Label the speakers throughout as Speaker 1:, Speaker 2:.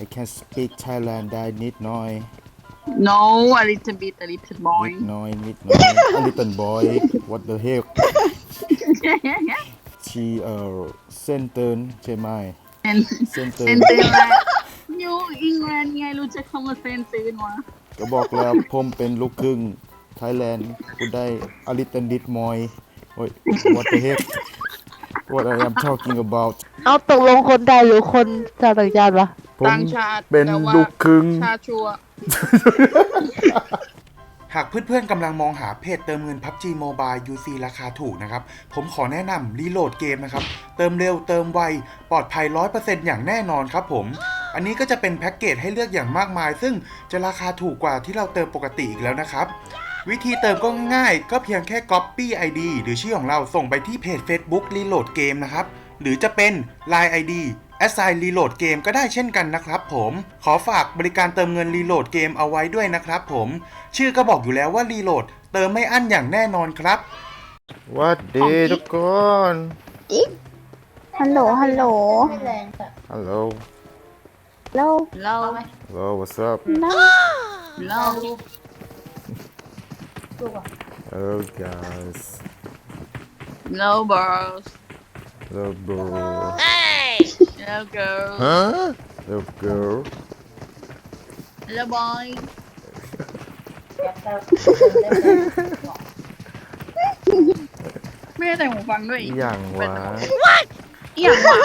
Speaker 1: I can speak Thailand ได้นิดหน่อย
Speaker 2: No, a little bit, a little boy.
Speaker 1: นิดหน่อย a little boy what the heck she เส้นเตือนใช่ไหม เส้น
Speaker 2: เซ
Speaker 1: เตือน
Speaker 2: นตื่นแล้วอยู่อังกฤษไงรู้จักคำว่าเซนตื่นวะ
Speaker 1: ก็บอกแล้วผมเป็นลูกครึ่ง Thailand คุณได้ a little bit more โอ้ย what the heck what I am talking about
Speaker 3: เอาตกลงคนไทยหรือคนชาวต่างชาติวะ
Speaker 1: ผม
Speaker 2: ต่างชาติ
Speaker 1: เป็น
Speaker 2: แต่ว่า
Speaker 1: ลูกครึ่ง
Speaker 2: ชาชัว
Speaker 4: หากเพื่อนๆกำลังมองหาเพจเติมเงิน PUBG Mobile UC ราคาถูกนะครับ ผมขอแนะนำรีโหลดเกมนะครับ เติมเร็วเติมไว ปลอดภัย 100% อย่างแน่นอนครับผม อันนี้ก็จะเป็นแพ็กเกจให้เลือกอย่างมากมาย ซึ่งจะราคาถูกกว่าที่เราเติมปกติอีกแล้วนะครับ วิธีเติมก็ง่ายๆก็เพียงแค่ Copy ID หรือชื่อของเราส่งไปที่เพจ Facebook Reload Game นะครับ หรือจะเป็น Line ID Assign Reload Game ก็ได้เช่นกันนะครับผมขอฝากบริการเติมเงิน Reload Game เอาไว้ด้วยนะครับผมชื่อก็บอกอยู่แล้วว่า Reload เติมไม่อั้นอย่างแน่นอนครับ
Speaker 1: วัสดีทุกคน
Speaker 3: ฮัลโหล ฮัลโหล
Speaker 1: ฮัลโหล
Speaker 3: แล้ว
Speaker 2: เรา
Speaker 1: hello what's up
Speaker 2: เรา
Speaker 1: hello guys
Speaker 2: เราบอส
Speaker 1: hello bro
Speaker 2: เราเกิร์ล
Speaker 1: hello girl
Speaker 2: เราบอยไม่ได้แต่งหูฟังด้วย
Speaker 1: อหย่างวะ
Speaker 2: อีหยังวะ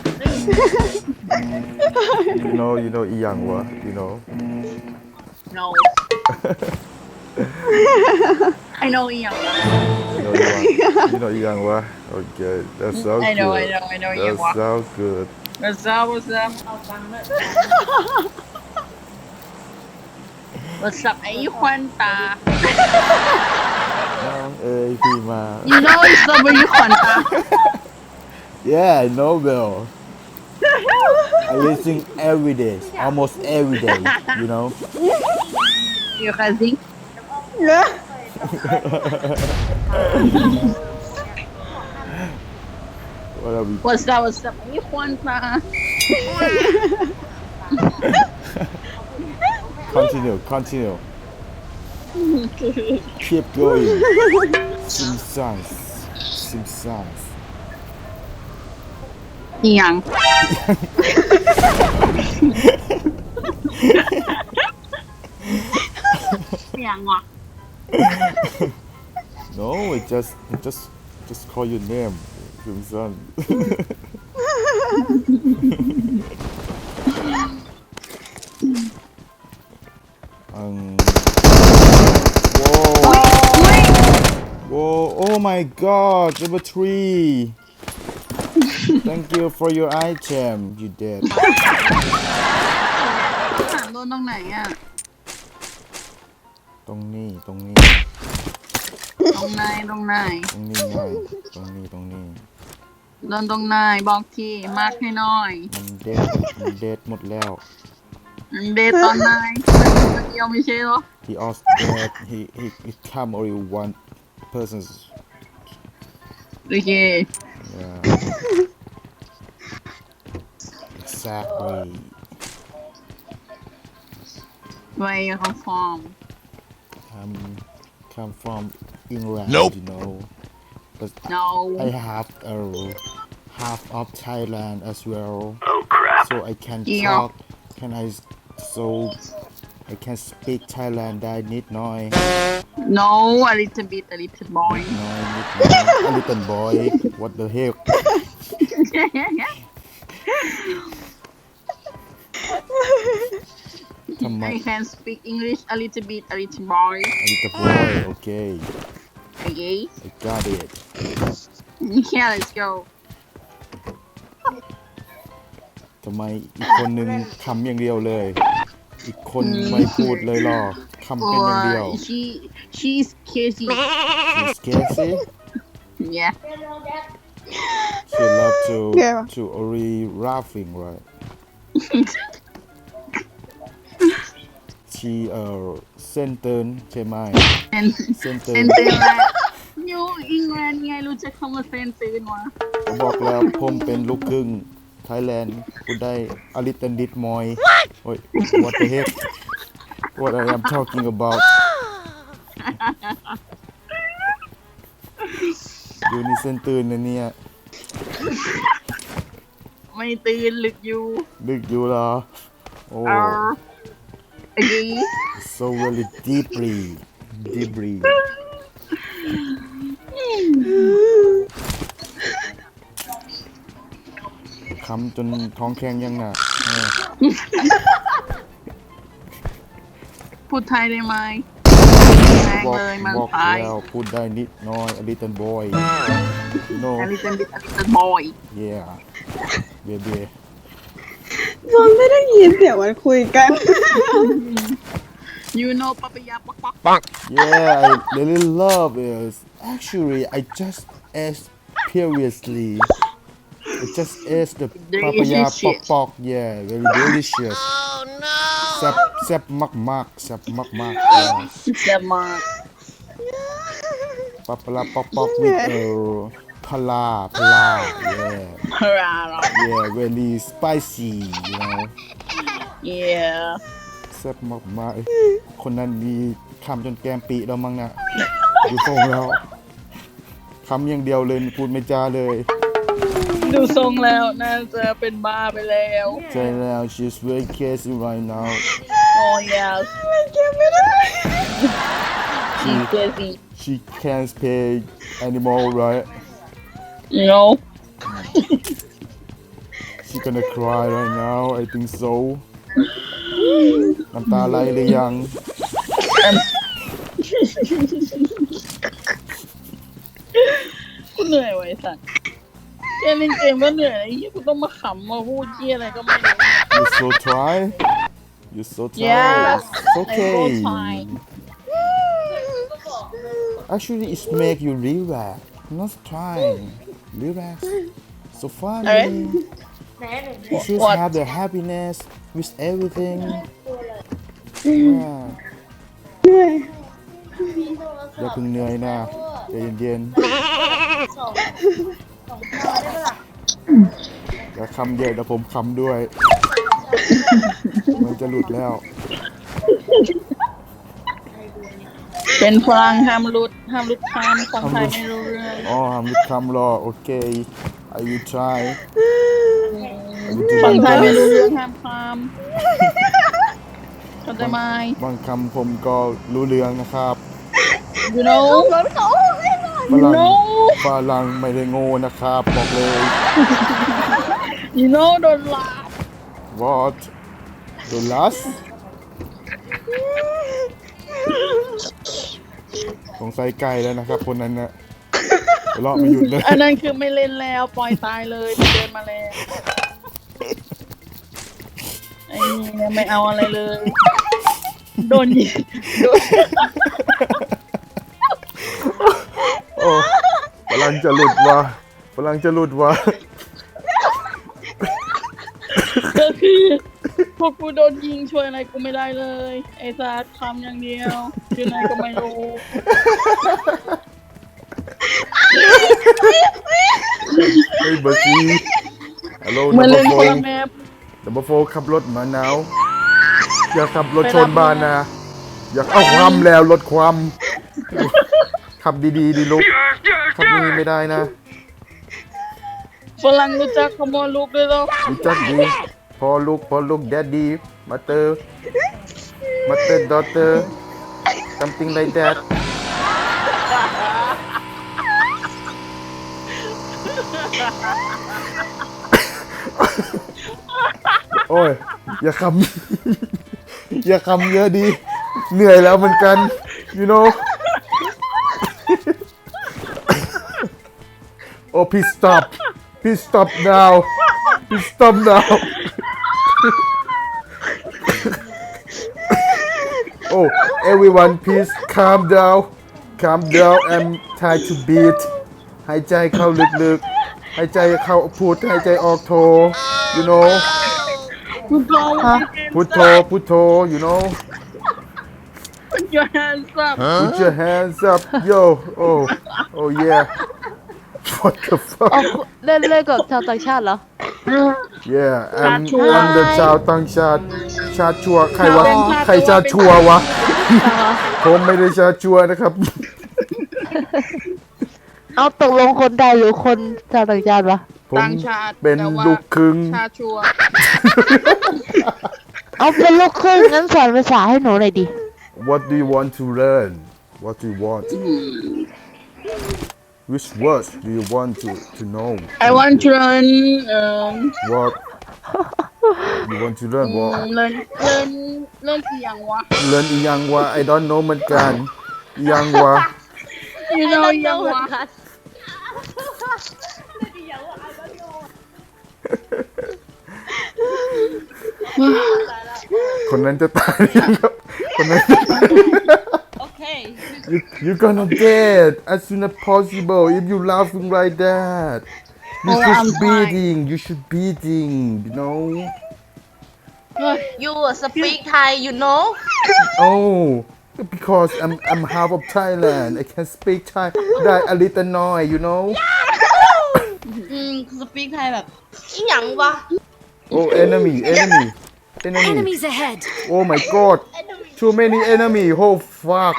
Speaker 1: you know อหย่างวะ you know
Speaker 2: No I know อีหยังวะ
Speaker 1: you know อหย่างวะ okay that sounds
Speaker 2: I know
Speaker 1: good
Speaker 2: I know อีหยัง
Speaker 1: that
Speaker 2: วะ
Speaker 1: sounds good
Speaker 2: What's up What's up What's up ไอ้ควันตา
Speaker 1: น้องเอ้ยพี่มา
Speaker 2: You know it's up ไอ้ควันตา
Speaker 1: yeah I know Bill I listen every day almost every day you know
Speaker 2: You can sing
Speaker 1: what are we
Speaker 2: What's up ไอ้ควันตา
Speaker 1: continue keep going Simpsons
Speaker 2: อีหยังอีหยังวะ
Speaker 1: no it just call your name Simpson Whoa, oh my god, number 3. Thank you for your item, you did.
Speaker 2: ถามโดนตรงไหนอ่ะ
Speaker 1: ตรงนี้
Speaker 2: ตรงไหนตรงไหน
Speaker 1: ตรงนี้ไงตรงนี้
Speaker 2: โดนตรงไหนบอกทีมาร์คให้หน่อย
Speaker 1: มันเด็ดหมดแล้ว
Speaker 2: เดทตอนไหนคนเดียวไม่ใช่เหรอ
Speaker 1: He also dead, he come only one person's,
Speaker 2: โอเค
Speaker 1: yeah. Exactly.
Speaker 2: Where you come from
Speaker 1: Come from England, you know. But
Speaker 2: No
Speaker 1: I have a half of Thailand as well. Oh crap! So I can
Speaker 2: Yeah.
Speaker 1: talk. So I can speak Thailand ได้นิดหน่อย
Speaker 2: No a little bit a little boy
Speaker 1: a little boy what the heck ทำไม
Speaker 2: I can speak English a little bit a little boy
Speaker 1: a little boy okay
Speaker 2: Okay
Speaker 1: I got it
Speaker 2: Yeah let's go
Speaker 1: ทำไมอีกคนนึงคำอย่างเดียวเลย อีกคนไม่พูดเลยหรอคำเป็นอย่างเดียว
Speaker 2: She's crazy
Speaker 1: She's scarcity
Speaker 2: Yeah
Speaker 1: She love to only laughing right She เส้นเตือนใช่ไหม เส้นเตือน
Speaker 2: เซนตื่นแล้วอยู่อังกฤษไงรู้จักคำว่าเซนตื่นวะ
Speaker 1: บอกแล้วผมเป็นลูกครึ่ง Thailand คุณได้ a little bit more โอ้ย what the heck what I am talking about อยู่นี่เส้นตื่นนะเนี่ย
Speaker 2: ไม่ตื่นลึกอยู่
Speaker 1: ลึกอยู่เหรอโอ้
Speaker 2: เอาไอ้ดี
Speaker 1: so really deeply คำจนท้องแข็งยังน่ะเออ
Speaker 2: พูดไทยได้ไหมแรง
Speaker 1: บอก
Speaker 2: เลยมัน
Speaker 1: บอก
Speaker 2: ไทย
Speaker 1: แล้วพูดได้นิดน้อย a little boy no
Speaker 2: อลิสันบิดอลิสันบอย
Speaker 1: yeah baby
Speaker 5: จนไม่ได้ยินเสียงมันคุยกัน
Speaker 2: ยูโนปะปะยาปักปัก
Speaker 1: yeah I really love it actually I just ate previously I just ate the papaya pok pok yeah very delicious แซ่บมากๆyeah
Speaker 2: แซ่บมาก
Speaker 1: papaya pok pok with pala yeah
Speaker 2: พราหรอ
Speaker 1: yeah very spicy you know
Speaker 2: yeah
Speaker 1: แซ่บมากๆคนนั้นมีคำจนแก้มปีแล้วมั้งนะดูทรงแล้วคำอย่างเดียวเลยพูดไม่จาเลย
Speaker 2: ดูทรงแล้วน่าจะเป็นบ้าไปแล้ว
Speaker 1: ใช่แล้ว she's very crazy right now
Speaker 2: oh yes she's crazy
Speaker 1: she can't pay anymore right
Speaker 2: you know
Speaker 1: she gonna cry right now I think so น้ำตาไหลหรือยัง
Speaker 2: กูเหนื่อยไว้สัตว์แค่เล่นเกมก็เหนื่อยไอ้เหี้ยกูต้องมาขำมาพูดเหี้ยอะไรก็ไม่รู้
Speaker 1: you so tired you so tired
Speaker 2: Yes,
Speaker 1: it's okay
Speaker 2: I'm so tired.
Speaker 1: actually it make you relax not trying relax so funny
Speaker 2: Alright.
Speaker 1: you should
Speaker 2: What?
Speaker 1: have the happiness with everything yeah อย่าเพิ่งเหนื่อยนะใจเย็นๆอย่าคำเยอะเดี๋ยวผมคำด้วย มันจะหลุดแล้ว
Speaker 2: เป็นฝรั่งห้ามรุดคำคนไทยไม่รู้เรื่อง
Speaker 1: อ๋อห้ามหลุดคำรอโอเค I will try I will do
Speaker 2: คน
Speaker 1: my
Speaker 2: ไทยไม่รู้
Speaker 1: best
Speaker 2: เรื่องห้ามคำเข้าใจไหม
Speaker 1: บางคำผมก็รู้เรื่องนะครับ
Speaker 2: you know
Speaker 1: ฝรั่ง
Speaker 2: no
Speaker 1: ฝรั่งไม่ได้โง่นะครับบอกเลย
Speaker 2: you know don't laugh
Speaker 1: What the last สงสัยไกลแล้วนะครับคนนั้นนะเลาะไม่หยุดเลย
Speaker 2: อันนั้นคือไม่เล่นแล้วปล่อยตายเลยไม่เดินมาแล้วไอ้นี่ไม่เอาอะไรเลยโดนยิงโดน
Speaker 1: โอ้ฝรั่งจะหลุดวะฝรั่งจะหลุดวะ
Speaker 2: ก็คือพวกกูโดนยิงช่วยอะไรกูไม่ได้เลยไอ้สัตว์ทำอย่างเดียวคือไหนก็ไม่รู้
Speaker 1: เฮ้ยเบอร์ซีฮัลโหล
Speaker 2: เหมือน
Speaker 1: นั
Speaker 2: เล่น
Speaker 1: มเบ
Speaker 2: ค
Speaker 1: อน ร์
Speaker 2: ละ
Speaker 1: โฟ
Speaker 2: แมป
Speaker 1: นัมเบอร์โฟขับรถมาหนาวอย่าขับรถชนบ้านนะอย่าเอาความแล้วรถความขับดีๆดีลูกขับนี้ไม่ได้นะ
Speaker 2: ฝรั่งรู้จักขโมยลูกด้วยเหรอ
Speaker 1: รู้จักดีพอลูกแดดดี้มาเตอร์ดอเตอร์ something like that โอ้ยอย่าคำ อย่าคำเยอะดีเหนื่อยแล้วเหมือนกัน you know oh please stop now please stop now oh everyone please calm down and try to breathe หายใจเข้าลึกๆหายใจเข้าพุทหายใจออกโท you know พุทโธ you know
Speaker 2: Put your hands up
Speaker 1: put your hands up yo oh yeah what the fuck
Speaker 3: เล่นกับชาวต่างชาติเหรอ
Speaker 1: Yeah, I'm
Speaker 2: ชาชัว
Speaker 1: I'm the ชาวต่างชาติชาติชัวใครวะใครชาติชัววะ ผมไม่ได้ชาติชัวนะครับ
Speaker 3: เอาตกลงคนไทยหรือคนชาวต่างชาติวะ
Speaker 1: ผม
Speaker 2: ต่างชาติ
Speaker 1: เป็น
Speaker 2: แต่ว่า
Speaker 1: ลูกครึ่ง
Speaker 2: ชาชัว
Speaker 3: เอาเป็นลูกครึ่งงั้นสอนภาษาให้หนูหน่อยดิ
Speaker 1: What do you want to learn? What do you want? Which words do you want to know?
Speaker 2: I want to learn
Speaker 1: What? You want to learn what?
Speaker 2: learn เสียงวะ
Speaker 1: Learn อีหยังวะ I don't know เหมือนกันอีหยังวะ
Speaker 2: you know ยังวะ
Speaker 1: คนนั้นจะตายหรือยังครับคนนั้นจะตาย
Speaker 2: Okay
Speaker 1: You're gonna dead as soon as possible if you laughing like that. You
Speaker 2: Oh,
Speaker 1: should
Speaker 2: I'm
Speaker 1: beating. You should beating. You know.
Speaker 6: You speak Thai, you know?
Speaker 1: Oh, because I'm half of Thailand. I can speak Thai. That a little noise. You know.
Speaker 6: Speak Thai แบบอีหยังวะ
Speaker 1: Oh, enemy.
Speaker 7: Enemies ahead.
Speaker 1: Oh my God. Too many enemy. Oh fuck.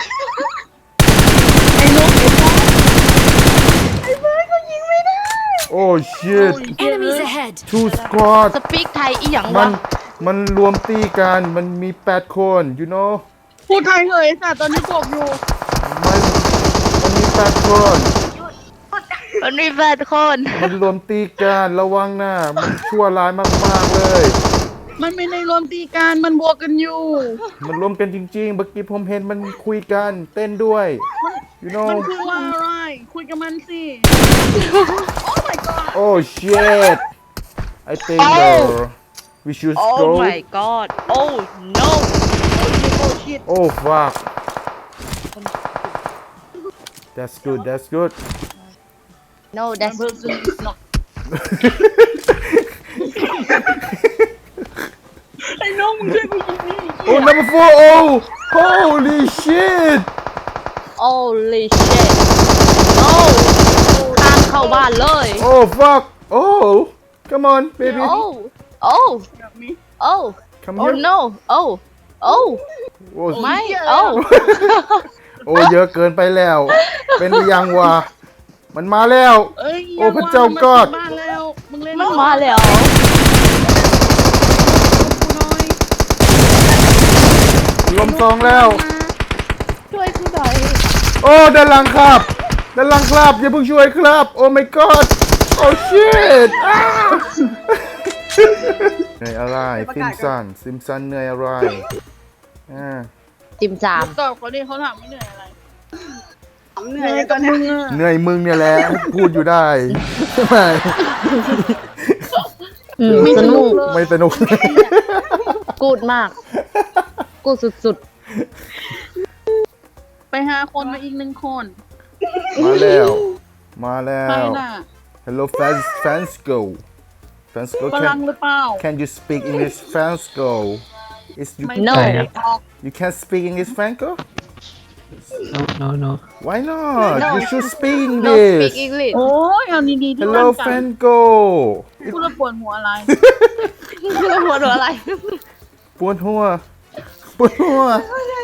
Speaker 1: Oh shit.
Speaker 7: Enemies ahead.
Speaker 1: Two squad.
Speaker 6: Speak Thai อีหยัง
Speaker 1: มั
Speaker 6: วะ
Speaker 1: มันรวมตีกัน มันมี8 คน you know
Speaker 2: พูดไทยเลยค่ะตอนนี้บอกอยู่
Speaker 1: มันมี8 คน
Speaker 3: มันมีแปดคน
Speaker 1: มันรวมตีกันระวังนะมันชั่วร้ายมากๆเลย
Speaker 2: มันไม่ได้รวมตีกันมันบวกกันอยู่
Speaker 1: มันรวมกันจริงๆเมื่อกี้ผมเห็นมันคุยกันเต้นด้วย you
Speaker 2: มัน
Speaker 1: know
Speaker 2: คือว่าอะไร คุยกับมันสิ
Speaker 1: oh shit I think we should
Speaker 6: Oh
Speaker 1: go
Speaker 6: my god Oh no
Speaker 1: oh fuck that's good
Speaker 6: No that's
Speaker 2: person is not ไอ้น้องมึงช่วยกูยิงนี่
Speaker 1: oh number 4 oh holy shit
Speaker 6: Holy shit No ข้ามเข้าบ้านเลย
Speaker 1: oh fuck oh come on baby
Speaker 6: Oh Oh
Speaker 2: แบบนี้
Speaker 6: Oh
Speaker 1: come
Speaker 6: Oh
Speaker 1: here
Speaker 6: no Oh Oh
Speaker 1: oh
Speaker 6: ไม่ Oh
Speaker 1: โอ้เยอะเกินไปแล้ว เป็นหรือยังวะ มันมาแล้ว
Speaker 2: เอ้ย
Speaker 1: โอ้พระเจ้ากอด
Speaker 2: บ้านแล้ว มึงเล่น
Speaker 6: มันมาแล้ว
Speaker 2: กูน้อย
Speaker 1: ลมซองแล้ว
Speaker 6: ช่วยกูหน่อย
Speaker 1: โอ้ด้านหลังครับ ด้านหลังครับอย่าเพิ่งช่วยครับ โอ้ my god โอ้ shit เหนื่อยอะไรซิมสันเหนื่อยอะไร
Speaker 6: ติมจาม
Speaker 2: ตอบเขาดิเขาถามไม่เหนื่อยอะไร
Speaker 5: เหนื่อยตอนนี้
Speaker 2: มึงอะ
Speaker 1: เหนื่อยมึงเนี่ยแหละ พูดอยู่ได้ใช่ไหม
Speaker 6: ไม่สนุก
Speaker 1: ไม่สนุก
Speaker 6: กูดมาก กูดสุด
Speaker 2: ไปหาคนมาอีก1 คน
Speaker 1: มาแล้ว มาแล้
Speaker 2: ใคร
Speaker 1: ว
Speaker 2: น่ะ
Speaker 1: Hello fans go
Speaker 2: ฝรั่งหรือเปล่า
Speaker 1: can you speak English fans go is you
Speaker 2: ไม่
Speaker 6: No
Speaker 2: ได้ออก
Speaker 1: you can speak English Franco
Speaker 8: No.
Speaker 1: why not
Speaker 6: No.
Speaker 1: you should speak
Speaker 6: ๆ No
Speaker 1: English
Speaker 6: speak English
Speaker 2: โอ้ยเอาดีๆที่
Speaker 1: Hello
Speaker 2: ตั้งใจ
Speaker 1: Franco
Speaker 2: พูดแล้วปวดหัวอะไร
Speaker 6: หัวหนูอะไร
Speaker 1: ปวดหัวปวดหัว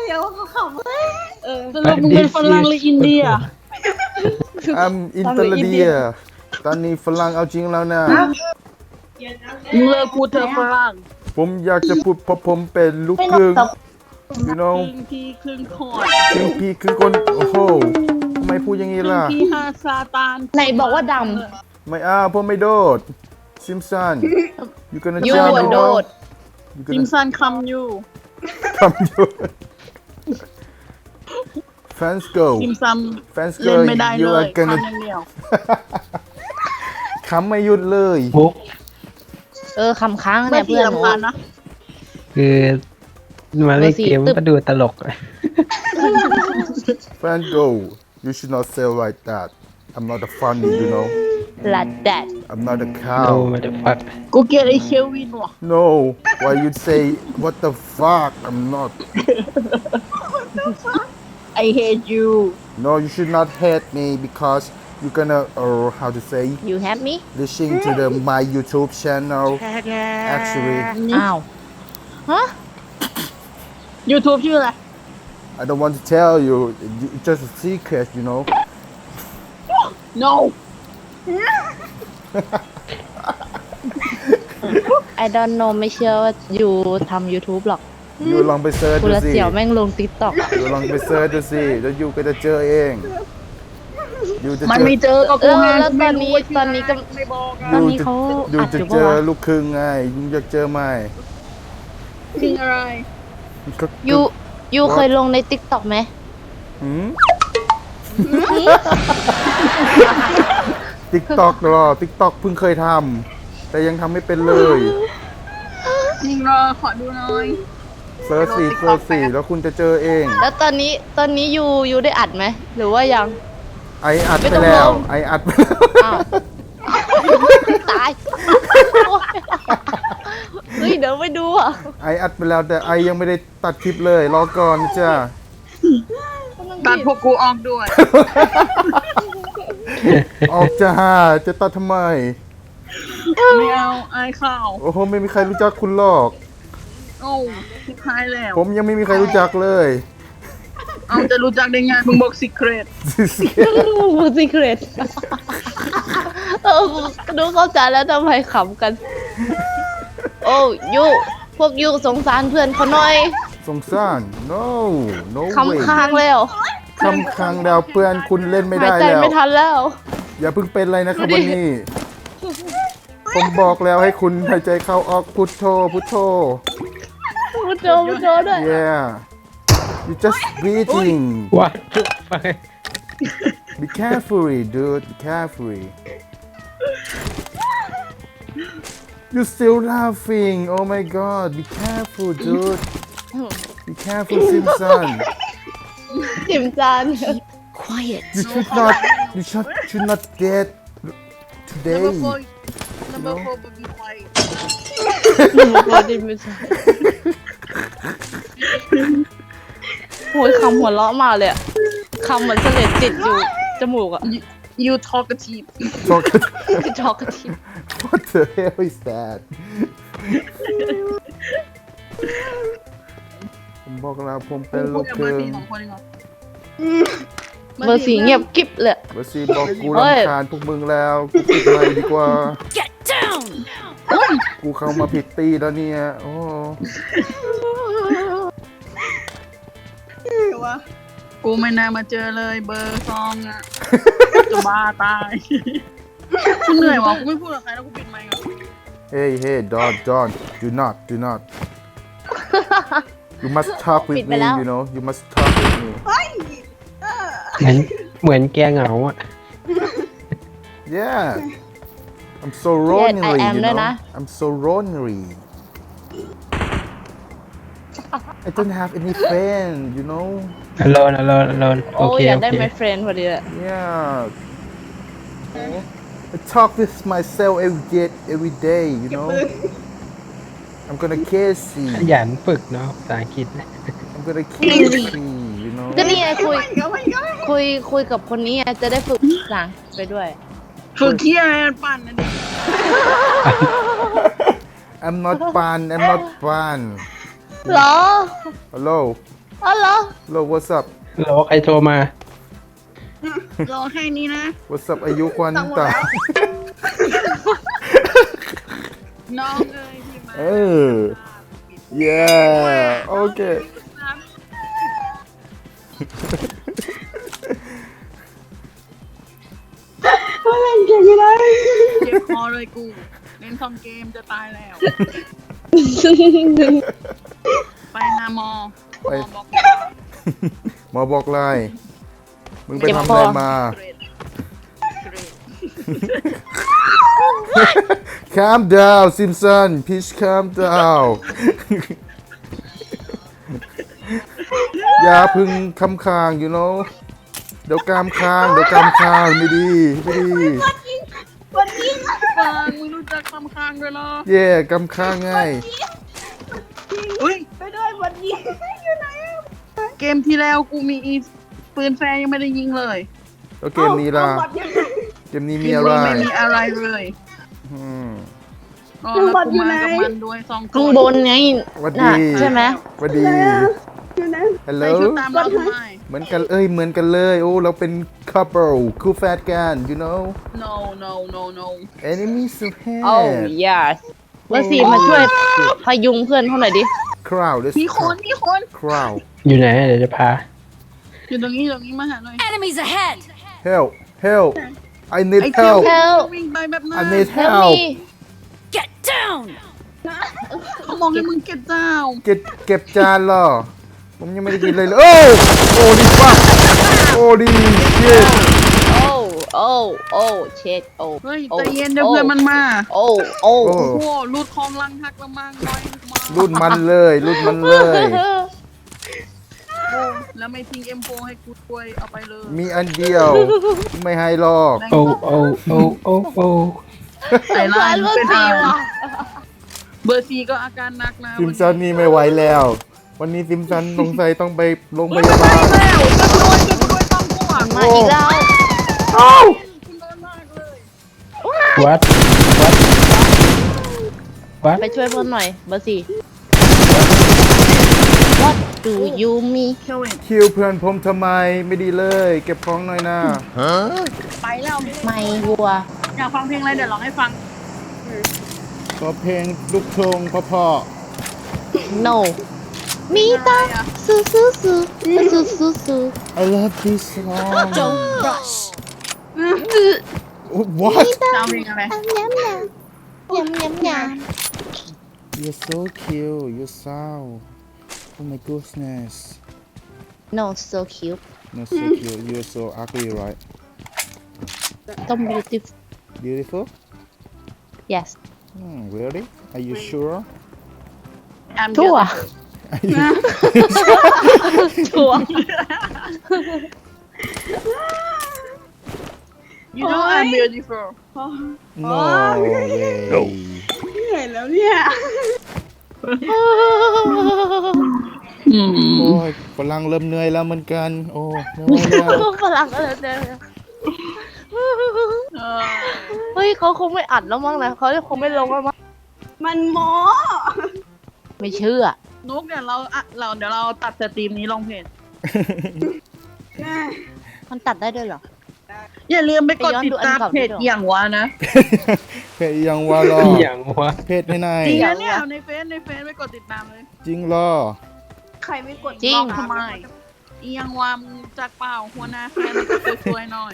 Speaker 2: สรุปมึงเป็นฝรั่งหรืออินเดีย
Speaker 1: I'm อินเตอร์เดียตอนนี้ฝรั่งเอาจริงแล้วนะ
Speaker 2: มึงเลิกพูดเธอะฝรั่ง
Speaker 1: ผมอยากจะพูดเพราะผมเป็นลูกครึ่ง you
Speaker 2: ค
Speaker 1: know
Speaker 2: รึ่งพี่ครึ่งคอน
Speaker 1: ครึ่งพี่ครึ่งคนโอ้โหทำไมพูดอย่างนี้
Speaker 2: ครึ่ง
Speaker 1: ล่ะ
Speaker 2: พี่ฮาซาตาน
Speaker 6: ไหนบอกว่าด
Speaker 1: ไม่ผมไม่โดดซิมสัน you gonna
Speaker 6: ำยู
Speaker 1: jump
Speaker 6: อะ
Speaker 1: you
Speaker 6: โด
Speaker 1: know
Speaker 6: ด
Speaker 1: you
Speaker 2: จิม
Speaker 1: gonna
Speaker 2: ซันคำอยู่
Speaker 1: come you fans go
Speaker 2: จิมซัม
Speaker 1: fans
Speaker 2: เล่
Speaker 1: go
Speaker 2: นไม่ได้
Speaker 1: you
Speaker 2: เล
Speaker 1: are
Speaker 2: ย
Speaker 1: gonna
Speaker 2: ทำอย่างเดียว
Speaker 1: ขำไม่หยุดเลย
Speaker 8: บุ๊ก
Speaker 6: คำค้าง
Speaker 2: ไม่
Speaker 6: เนี่ย
Speaker 2: พี่
Speaker 6: เพื่อนหนู
Speaker 2: ลำคาญนะ
Speaker 8: คือมาเล่นเกม
Speaker 6: ตึ๊บ
Speaker 8: ก็ดูตลก
Speaker 1: Fan go you should not say like that I'm not a funny you know
Speaker 6: ลัดแดด
Speaker 1: I'm not a
Speaker 8: โน
Speaker 1: cow
Speaker 8: มาเดฟัก
Speaker 2: กูเกลียดไอ้เคลวินว่ะ
Speaker 1: no why you say what the fuck I'm not
Speaker 2: I hate you
Speaker 1: no you should not hate me because you gonna how to say
Speaker 6: you have me
Speaker 1: listening to the my YouTube channel actually
Speaker 6: อ้าว ฮะ
Speaker 2: YouTube ชื่ออะไร
Speaker 1: I don't want to tell you it's just a secret you know
Speaker 2: no
Speaker 6: I don't know ไม่เชื่อว่าอยู่ทำ YouTube หรอก
Speaker 1: อยู่ลองไปเซิร์ช
Speaker 6: กู
Speaker 1: ดู
Speaker 6: ละ
Speaker 1: สิ
Speaker 6: เสี่ยวแม่งลง TikTok
Speaker 1: อยู่ลองไปเซิร์ชดูสิแล้วอยู่ก็จะเจอเองอยู่จะ
Speaker 2: มัน
Speaker 1: เจอ
Speaker 2: ไม่เจอกับ
Speaker 6: เอ
Speaker 2: กู
Speaker 6: อ
Speaker 2: ไง
Speaker 6: แล้วตอนนี้
Speaker 2: ไม่รู้ว่าชื่
Speaker 6: ตอนนี้ก็
Speaker 2: ไม่บอกอะ
Speaker 6: ตอนนี้เขา
Speaker 1: อยู่
Speaker 6: อัด
Speaker 1: จะ
Speaker 6: อยู่
Speaker 1: เจ
Speaker 6: ปะ
Speaker 1: อ
Speaker 6: วะ
Speaker 1: ลูกครึ่งไงอยู่อยากเจอไหม
Speaker 2: จริงอะไร
Speaker 6: ยูเคยลงใน TikTok ไหม
Speaker 1: หืม TikTok หรอ TikTok เพิ่งเคยทำแต่ยังทำไม่เป็นเลย
Speaker 2: จริงเหรอขอดูหน่อย
Speaker 1: เซิร์ชสี่แล้วคุณจะเจอเอง
Speaker 6: แล้วตอนนี้ยูได้อัดไหม หรือว่ายัง
Speaker 1: ไออัด
Speaker 6: ไม่
Speaker 1: ไป
Speaker 6: ต้อง
Speaker 1: แล้ว
Speaker 6: ลง
Speaker 1: ไออัดไปแล้ว
Speaker 6: อ้าว ตายเฮ้ย เดี๋ยวไปดูอ่ะ
Speaker 1: ไออัดไปแล้วแต่ไอยังไม่ได้ตัดคลิปเลยรอก่อนนะจ้า
Speaker 2: ตัดพวกกูออกด้วย
Speaker 1: ออกจ้าจะตัดทำไม
Speaker 2: ไม่เอาอายข่าว
Speaker 1: โอ้โหไม่มีใครรู้จักคุณหรอก
Speaker 2: โอ้ทิพายแล้ว
Speaker 1: ผมยังไม่มีใครรู้จักเลย
Speaker 2: เอาจะรู้จักได้ไงมึงบอก secret
Speaker 6: มูสิเครตดูเข้าใจแล้วทำไมขำกัน โอ้ยูพวกยูสงสารเพื่อนเขาหน่อย
Speaker 1: สงสาร no way
Speaker 6: คำค้างแล้ว
Speaker 1: คำคังดาวเพื่อนคุณเล่นไม่
Speaker 6: หาย
Speaker 1: ได้
Speaker 6: ใจ
Speaker 1: แล้ว
Speaker 6: ไม่ทันแล้ว
Speaker 1: อย่าเพิ่งเป็นอะไรนะครับวันนี้ ผมบอกแล้วให้คุณหายใจเข้าออกพุทโธพุทโธ
Speaker 6: พุทโธพุทโธด้วย
Speaker 1: yeah you just breathing
Speaker 8: What the fuck
Speaker 1: be careful dude be careful you still laughing oh my god be careful dude be careful Simpson
Speaker 6: จิมจาน
Speaker 7: Quiet.
Speaker 1: you should not get today
Speaker 2: number 4 be quiet
Speaker 6: พอจิมจานโอ้ยคำหัวเราะมาเลยอะคำเหมือนเสลดติดอยู่จมูกอะ
Speaker 2: you talkative
Speaker 1: Talk
Speaker 6: ชอกกระทิบ
Speaker 1: what the hell is that ผมบอกแล้วผมเป็นลูก
Speaker 2: กับ
Speaker 1: ค
Speaker 2: เบอ
Speaker 1: รึ่
Speaker 2: ร์
Speaker 1: ง
Speaker 2: สี่สองคนเองเหรอ
Speaker 6: เบอร์สีเงียบกิ๊บเลย
Speaker 1: เบอร์ซีบอกกู
Speaker 6: เฮ้ย
Speaker 1: รำคาญพวกมึงแล้วกูปิดไมค์ดีกว่า
Speaker 7: Get down.
Speaker 1: กูเข้ามาผิดตีแล้วเนี่ยโอ้
Speaker 2: วะกูไม่น่ามาเจอเลยเบอร์ซองอ่ะ จะบ้าตายกูเหนื่อยวะกูไม่พูดกับใครแล้วกูปิดไมค์ก่อน
Speaker 1: hey don't do not you must talk with
Speaker 6: ปิดไป
Speaker 1: me
Speaker 6: แล้ว
Speaker 1: you know you must talk with me
Speaker 8: เหมือนแกเหงาอ่ะ
Speaker 1: yeah I'm so lonely
Speaker 6: I am
Speaker 1: you
Speaker 6: ด้วย
Speaker 1: know
Speaker 6: นะ
Speaker 1: I'm so lonely I don't have any friend you know
Speaker 8: alone
Speaker 6: โอ้
Speaker 8: โอเค
Speaker 6: อยาก
Speaker 8: โอ
Speaker 6: ได้
Speaker 8: เค
Speaker 6: my friend พอดีเลย
Speaker 1: yeah I talk with myself every day you know I'm gonna kiss
Speaker 8: ข
Speaker 1: you
Speaker 8: ยันฝึกเนาะภาษาอังกฤษ
Speaker 1: I'm gonna kiss you you know
Speaker 6: ก็นี่ไงคุยกับคนนี้ไงจะได้ฝึกภาษาอังกฤษไปด้วย
Speaker 2: ฝึกเที่ยอะไรปั่นนะดิ
Speaker 1: I'm not fun I'm not fun
Speaker 6: เหรอ
Speaker 1: hello
Speaker 6: อ๋อเหรอ
Speaker 1: hello what's up
Speaker 8: แล้วใครโทรมา
Speaker 2: รอแค่นี้นะ
Speaker 1: what's up อายุควันตา
Speaker 2: น้องเอ้ยพี่มา
Speaker 1: เออ yeah okay
Speaker 5: เล่นเก่งไม่ได้
Speaker 2: เจ็บคอเลยกู เล่นคอมเกมจะตายแล้ว ไปหาหมอหมอบอก
Speaker 1: หมอบอกเลยมึงไป
Speaker 6: เจ็บ
Speaker 1: ทำ
Speaker 6: ค
Speaker 1: อะ
Speaker 6: อ
Speaker 1: ไรมา
Speaker 2: เกรด
Speaker 1: calm down Simpson please calm down อย่าพึ่งคำคาง you know เดี๋ยวกามคางไม่ดีไม่ดี
Speaker 2: ฟังมึงรู้จักคำค้างด้วยเหรอ
Speaker 1: เย่กำคางไง
Speaker 2: อุ้ยไปด้วยวันนี้อยู่ไหนเกมที่แล้วกูมีอีปืนแฟร์ยังไม่ได้ยิงเลย
Speaker 1: แล้วเกมนี้ล่ะ
Speaker 5: เอาบัตรยังไง
Speaker 1: เกมนี้มี
Speaker 2: คิด
Speaker 1: อะไร
Speaker 2: ว่าไม่มีอะไรเลย
Speaker 1: อืม
Speaker 2: ก็แล้วกูมากับมันด้วย2 ค
Speaker 6: ข้าง
Speaker 2: น
Speaker 6: บนไง
Speaker 1: หวัด
Speaker 6: น่ะ
Speaker 1: ดี
Speaker 6: ใช่ไหม
Speaker 1: หวัดดี
Speaker 5: อยู่นะ
Speaker 1: ฮัลโหล
Speaker 2: ใส่ชุดตามเราทำไม
Speaker 1: เหมือนกันเหมือนกันเลยโอ้เราเป็น couple คู่แฟนกัน you know
Speaker 2: no no no no
Speaker 1: enemies of
Speaker 6: โอ้
Speaker 1: hate
Speaker 6: yes เบอร์สี่มาช่วยพยุงเพื่อนเขาหน่อยดิ
Speaker 1: crowd let's
Speaker 2: มีคน
Speaker 1: crowd
Speaker 8: อยู่ไหนเดี๋ยวจะพา
Speaker 2: อยู่ตรงนี้มาหาหน่อย
Speaker 7: Enemies ahead!
Speaker 1: help help I need
Speaker 2: ไอ้เที่ยว
Speaker 1: help
Speaker 6: เ
Speaker 2: วิ่งไปแบบนั้น
Speaker 1: I need
Speaker 6: Help
Speaker 1: help
Speaker 6: me
Speaker 7: Get down!
Speaker 2: เขามองให้มึงเก็บเจ้า
Speaker 1: เก็บจานเหรอ ผมยังไม่ได้กินเลยโอ้ดีป่ะโอ้ดีเช็ด
Speaker 6: โอ้โอ้โอ้เช็ดโอ้
Speaker 2: เฮ้ยใจเย็นเดี๋ยวเพื่อนมันมา
Speaker 6: โอ้โอ้
Speaker 1: โอ้
Speaker 2: โอ้โหรูดคลองลังหักละมังน้อยมา
Speaker 1: รุ่นมันเลยรุ่นมันเลย
Speaker 2: แล้วไม่ทิ้ง M4 ให้กูด้วยเอาไปเลย
Speaker 1: มีอันเดียว ไม่ให้หรอก
Speaker 8: โอ้โอ้โอ้โอ้โอ้
Speaker 2: ใส่ลาย
Speaker 6: เบอ
Speaker 2: เป็น
Speaker 6: ร์สี่
Speaker 2: อะไร
Speaker 6: ว่ะ
Speaker 2: เบอร์4ก็อาการหนักนะ
Speaker 1: ซิมซันนี่ไม่ไหวแล้ว วันนี้ซิมซันสงสัยต้องไปโรงพยาบาล
Speaker 2: แล้วจะรวยต้องกูอ่ะ
Speaker 6: มาอีกแล้ว
Speaker 2: คุณโดนมากเลย
Speaker 8: วัดวัด
Speaker 6: ไปช่วยเพื่อนหน่อยเบอร์สี่ What do you mean
Speaker 2: เชเวน
Speaker 1: คิวเพื่อนผมทำไมไม่ดีเลย เก็บของหน่อยนะ
Speaker 2: ไปแล้ว
Speaker 6: ไม่วัว
Speaker 2: อยากฟังเพลงอะไรเดี๋ยวร้องให้ฟัง
Speaker 1: ขอเพลงลูกทุ่งพ่อ
Speaker 6: No มีตาสู้สู้สู้สู้สู้สู้
Speaker 1: ๆ I love this song
Speaker 7: Don't rush!
Speaker 1: What
Speaker 2: จะเอาเพลงอะไร
Speaker 6: ยำยำยำ
Speaker 1: You're so cute you're so Oh my goodness
Speaker 6: No so cute
Speaker 1: Not so cute you're so ugly right
Speaker 6: ต้อง beautiful
Speaker 1: Beautiful
Speaker 6: yes
Speaker 1: Really Are you sure
Speaker 6: ทั่ว
Speaker 1: Are you
Speaker 6: ทั่ว
Speaker 2: You know I'm beautiful
Speaker 1: No way
Speaker 5: เห็นแล้วเนี่ย
Speaker 2: อืม
Speaker 1: โอ้ยฝรั่งเริ่มเหนื่อยแล้วเหมือนกัน โอ้ไม่ไหวแล้ว
Speaker 6: ฝรั่งก็เลยเดินเฮ้ยเขาคงไม่อัดแล้วมั้งนะเขาคงไม่ลงแล้วมั้ง
Speaker 5: มันโม
Speaker 6: ไม่เชื่อ
Speaker 2: นุกเดี๋ยวเราตัดสตรีมนี้ลงเพจ
Speaker 6: มันตัดได้ด้วยเหรอ
Speaker 2: อย่าลืมไปกดติดตาม
Speaker 6: ไปย้อนดูอันเก่า
Speaker 2: เพจ
Speaker 6: ด้วย
Speaker 2: อย่างวะนะ
Speaker 1: เพจยังว่าหรอ
Speaker 8: อย่างวะ
Speaker 1: เพจให้นาย
Speaker 2: จริงนะเนี่ยในเฟซไปกดติดตามเลย
Speaker 1: จริงเหรอ
Speaker 5: ใครไม่กด
Speaker 6: จริง
Speaker 2: ทำไมอียังวามงจากเปล่าหัวหน้าแฟนก็สวยๆหน่อย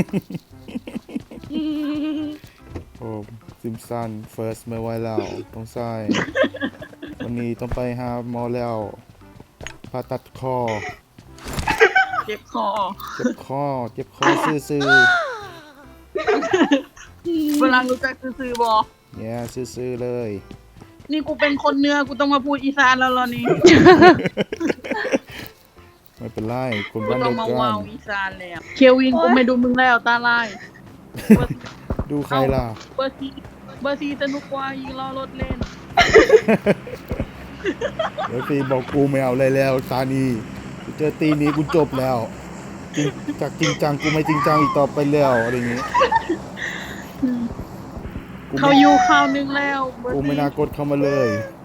Speaker 1: โอ้ซิมสัน first ไม่ไหวแล้วต้องใส่วันนี้ต้องไปหาหมอแล้วผ่าตัดคอ
Speaker 2: เจ็บคอ
Speaker 1: เจ็บคอซื่อ
Speaker 2: เวลารู้จักซื้อๆบอ
Speaker 1: ๆเนี่ยซื่อๆเลย
Speaker 2: นี่กูเป็นคนเหนื้อกูต้องมาพูดอีสานแล้วเหรอนี่
Speaker 1: ไม่เป็นไรคน
Speaker 2: กู
Speaker 1: บ้าน
Speaker 2: ต้อ
Speaker 1: เดี
Speaker 2: ง
Speaker 1: ยว
Speaker 2: มา
Speaker 1: กั
Speaker 2: ว้าน วอีสานแล้วเควินกูไม่ดูมึงแล้วตาลาย
Speaker 1: ดูใครล่ะ
Speaker 2: เบอร์ซีสนุกกว่ายิงล้อรถเล่น
Speaker 1: เดี๋ยวตีบอกกูไม่เอาเลยแล้วตานีกูเจอตีนี้กูจบแล้วจริงจากจริงจังกูไม่จริงจังอีกต่อไปแล้วอะไรอย่างงี้กู
Speaker 2: เขา
Speaker 1: ไม่
Speaker 2: อยู่ข่าวนึงแล้วเบอร์
Speaker 1: กูไม่
Speaker 2: ซี
Speaker 1: น่ากดเข้ามาเลย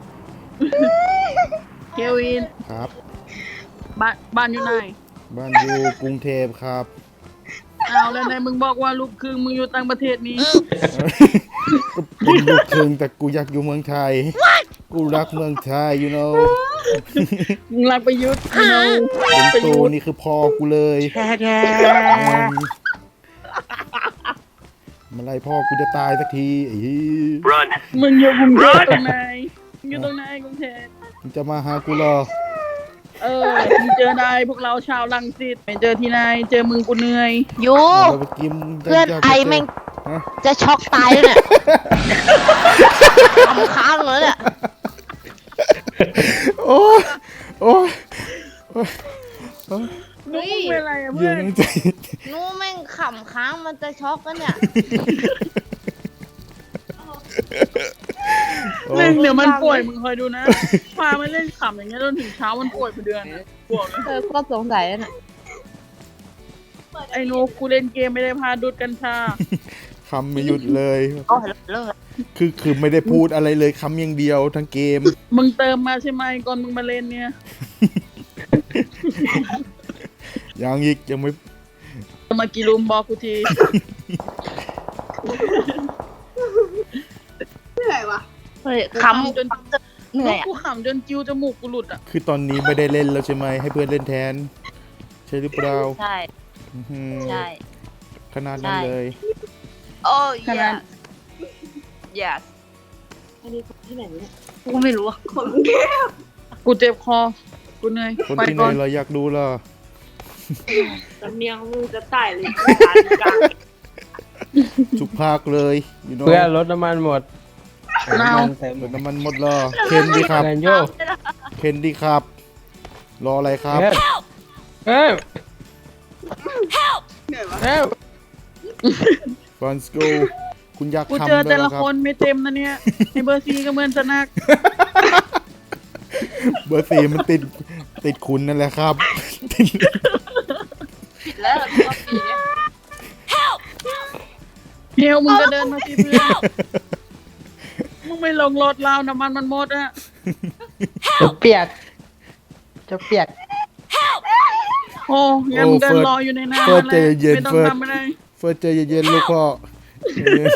Speaker 2: เควิน
Speaker 1: ครับ
Speaker 2: บ้านอยู่ไหน
Speaker 1: บ้านอยู่กรุงเทพครับ
Speaker 2: เอาแล้วไหนมึงบอกว่าลูกครึ่งมึงอยู่ต่างประเทศนี้
Speaker 1: ก็เป็นลูกครึ่งแต่กูอยากอยู่เมืองไทย กูรักเมืองไทย you know
Speaker 2: มึงรักประยุทธ์you know
Speaker 1: เป็นโตนี่คือพ่อกูเลยเมื่อไรพ่อกูจะตายสักทีไอ้เหี้ย
Speaker 2: มึงอยู่กรุงเทพตรงไหนมึงอยู่ตรงไหนกรุงเทพ
Speaker 1: มึงจะมาหากูเหรอ
Speaker 2: มึงเจอได้พวกเราชาวรังสิตไม่เจอที่ไหนเจอมึงกูเหนื่อย
Speaker 6: ยู
Speaker 1: เราไปกิน
Speaker 6: เพื่อนไอแม่ง
Speaker 1: ฮะ
Speaker 6: จะช็อกตายแล้วเนี่ยทำค้างเลยเนี่ย
Speaker 1: โอ้ยโอ้ย
Speaker 2: นุกมึงเป็นอะไรอะ
Speaker 1: เย็
Speaker 2: เพื่อน
Speaker 1: นใจ
Speaker 6: นู้แม่งขำค้างมันจะช็อกกันเนี่ย
Speaker 1: โอ้
Speaker 2: เล่
Speaker 1: ย
Speaker 2: นเดี๋ยวมันป่วยมึงคอยดูนะพามันเล่นขำอย่างเงี้ยจนถึงเช้ามันป่วยไปเดือนป่วย
Speaker 6: ก็สงสัยแล้วน่ะ
Speaker 2: ไอ้หนูกูเล่นเกมไม่ได้พาดูดกัญชา
Speaker 1: คำไม่หยุดเลย
Speaker 3: โอ้เลิก
Speaker 1: คือไม่ได้พูดอะไรเลยคำอย่างเดียวทั้งเกม
Speaker 2: มึงเติมมาใช่ไหมก่อนมึงมาเล่นเนี่ย
Speaker 1: ยังอีกยังไม่
Speaker 2: เติมมากี่ลุมบอกกูที
Speaker 5: เหนื่อยวะ
Speaker 6: เฮ้ยขำ
Speaker 2: จน
Speaker 6: เหนื่อยอ่ะ
Speaker 2: กูขำจนกิ้วจมูกกูหลุดอ่ะ
Speaker 1: คือตอนนี้ไม่ได้เล่นแล้วใช่ไหมให้เพื่อนเล่นแทน ใช่หรือเปล่า
Speaker 3: ใช่
Speaker 1: อื้อหือ
Speaker 3: ใช่
Speaker 1: ขนาดนั้นเลย
Speaker 3: โอ้
Speaker 2: ขนาด
Speaker 3: yes
Speaker 6: กูไม่รู้อ่ะ
Speaker 5: คนแก้ว
Speaker 2: กูเจ็บคอ กูเหนื่อย
Speaker 1: คน
Speaker 2: ไป
Speaker 1: ที่ไหน
Speaker 2: ก่อน
Speaker 1: เราอยากดูล่ะ
Speaker 5: สำเนียงมึงจะตายเลย
Speaker 1: ทุกภาคเลย you know
Speaker 8: เพื่อนรถน้ำมันหมด
Speaker 2: นาว
Speaker 8: น้ำมันเต็ม
Speaker 1: รถน้ำมันหมดแล้วเคนดีครับ
Speaker 8: แรงโย
Speaker 1: เคนดีครับ รออะไรครับ
Speaker 8: เฮ้ยเฮ้ย
Speaker 5: เหนื่อยวะ
Speaker 8: เฮ้ย
Speaker 1: Let's go คุณอยาก
Speaker 2: กู
Speaker 1: ทำ
Speaker 2: เจอ
Speaker 1: ด้ว
Speaker 2: แต่
Speaker 1: ยเหร
Speaker 2: ละ
Speaker 1: อครับ
Speaker 2: คนไม่เต็มนะเนี่ยไอเบอร์ซีก็เหมือนจะนัก
Speaker 1: เบอร์สี่มันติดคุณนั่นแหละครับติด
Speaker 3: ผิดแล้วรอบปีเนี่ย
Speaker 2: เฮียวมึงก็เดินมาสิเพื่อนมึงไม่ลงรถเราน้ำมันมันหมดอะ
Speaker 8: จะเปียก จะเปียก
Speaker 2: โอ้งั้นมึงเดินรออยู่ในน้ำ
Speaker 1: เฟิร์ส
Speaker 2: นั่นแห
Speaker 1: ใจ
Speaker 2: ละ
Speaker 1: เย็น
Speaker 2: ไม่ต้อง
Speaker 1: เฟิร์ส
Speaker 2: ทำอะไร
Speaker 1: เฟิร์สใจเย็นๆลูกพ่อใจเย็น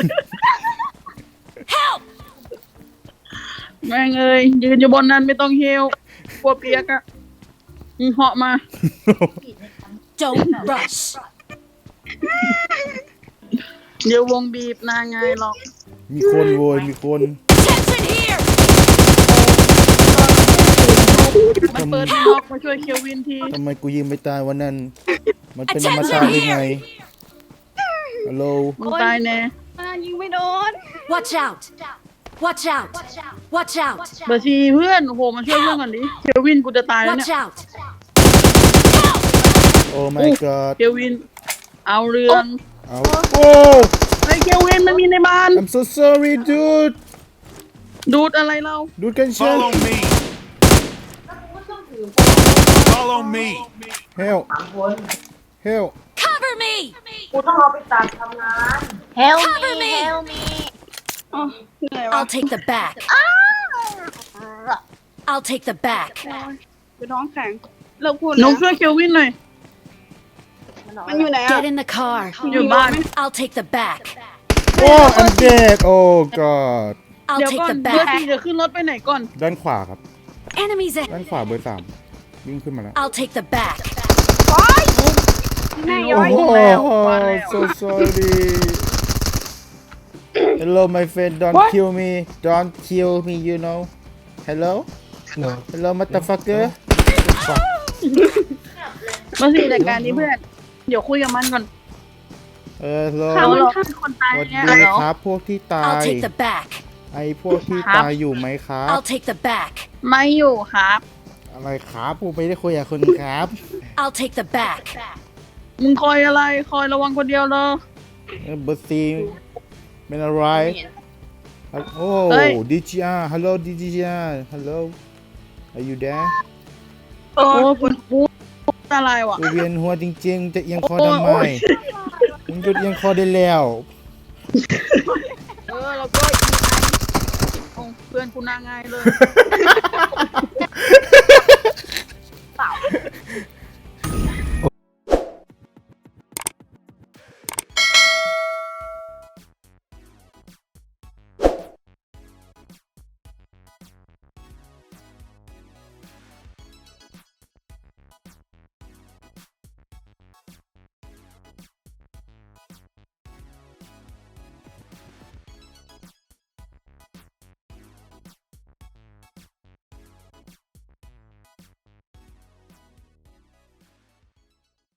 Speaker 2: แม่งเอ้ยยืนอยู่บนนั้นไม่ต้องเฮียวกลัวเปียกอะมึงเหาะมา
Speaker 7: Don't rush.
Speaker 2: เดี๋ยววงบีบนาไงหรอก
Speaker 1: มีคนโวยมีคน
Speaker 7: Attention here.
Speaker 2: มันเปิดให้ล็อกมาช่วยเคลวินที
Speaker 1: ทำไมกูยิงไม่ตายวันนั้น มันเป็นธรรมชาติได้ไงฮัลโหล
Speaker 2: มึงตายแน่
Speaker 5: ยิงไม่โดน
Speaker 7: Watch out. Watch out. Watch out.
Speaker 2: เบอร์ซีเพื่อนโอ้โหมาช่วยเพื่อนก่อนดิเคลวินกูจะตายแล้ว
Speaker 7: Watch
Speaker 2: เนี่ย
Speaker 7: out.
Speaker 1: โอ้ my god
Speaker 2: เคลวิน เอาเรื่อง
Speaker 1: เอาโอ้
Speaker 2: ไอ้เคลวินมันมีในบ้าน
Speaker 1: I'm so sorry dude
Speaker 2: ดูดอะไรเรา
Speaker 1: ดูดกันเช่น
Speaker 9: Follow me. Follow me.
Speaker 1: help help
Speaker 7: Cover me.
Speaker 3: เฮล
Speaker 7: Cover
Speaker 3: มี
Speaker 7: me.
Speaker 3: เฮลมี
Speaker 5: อ๋อเหนื่อยวะ
Speaker 7: I'll take the back. I'll take the back.
Speaker 5: คือท้องแข็งเลิกพูด
Speaker 2: หนู
Speaker 5: นะ
Speaker 2: ช่วยเคลวินหน่อย
Speaker 5: มันอยู่ไหนอ่ะ
Speaker 7: Get in the car.
Speaker 2: อยู่บ้าน
Speaker 7: I'll take the back.
Speaker 1: โอ้ I'm dead oh god
Speaker 7: I'll
Speaker 2: เดี๋ยว
Speaker 7: take
Speaker 2: ก่อน
Speaker 7: the
Speaker 2: เบอร์ซี
Speaker 7: back.
Speaker 2: จะขึ้นรถไปไหนก่อน
Speaker 1: ด้านขวาครับ
Speaker 7: Enemies
Speaker 1: ด้านขวาเบอร์สามวิ่งขึ้นมาแล้ว
Speaker 7: I'll take the back.
Speaker 5: แม่
Speaker 2: ย้
Speaker 5: ย้
Speaker 2: อ
Speaker 5: อย ย
Speaker 2: อีกแล้วมาแล้ว
Speaker 1: so sorry hello my friend don't
Speaker 8: What?
Speaker 1: kill me don't kill me you know hello
Speaker 8: no
Speaker 1: hello motherfucker
Speaker 2: เบอร์ซีจัดการนี้เพื่อน เดี๋ยวคุยกับมันก่อน
Speaker 1: hello
Speaker 2: เขาหรอกเป็นคนตาย
Speaker 1: สวัส
Speaker 2: เนี่ย
Speaker 1: ดี
Speaker 2: เหรอ
Speaker 1: ครับพวกที่ตา
Speaker 7: I'll
Speaker 1: ย
Speaker 7: take the back.
Speaker 1: ไอพวกที่
Speaker 2: ครับ
Speaker 1: ตายอยู่ไหมครับ
Speaker 7: I'll take the back.
Speaker 2: ไม่อยู่ครับ
Speaker 1: อะไรครับผมไม่ได้คุยกับคุณครับ
Speaker 7: I'll take the back.
Speaker 2: มึงคอยอะไร คอยระวังคนเดียวเลย
Speaker 1: เบอร์ซีเป็นอะไรโอ้
Speaker 2: เฮ้ย
Speaker 1: ดิจิอาฮัลโหลดิจิอาฮัลโหล are you there
Speaker 2: โอ้คุณพูดอะไรวะ
Speaker 1: กูเวียนหัวจริงๆ จะเอียงคอ
Speaker 2: โอ้ย
Speaker 1: ทำไม
Speaker 2: โอ้ย
Speaker 1: มึงหยุดเอียงคอได้แล้ว
Speaker 2: แล้วก็อีกอันโอ้เพื่อนกูน่าง่ายเลย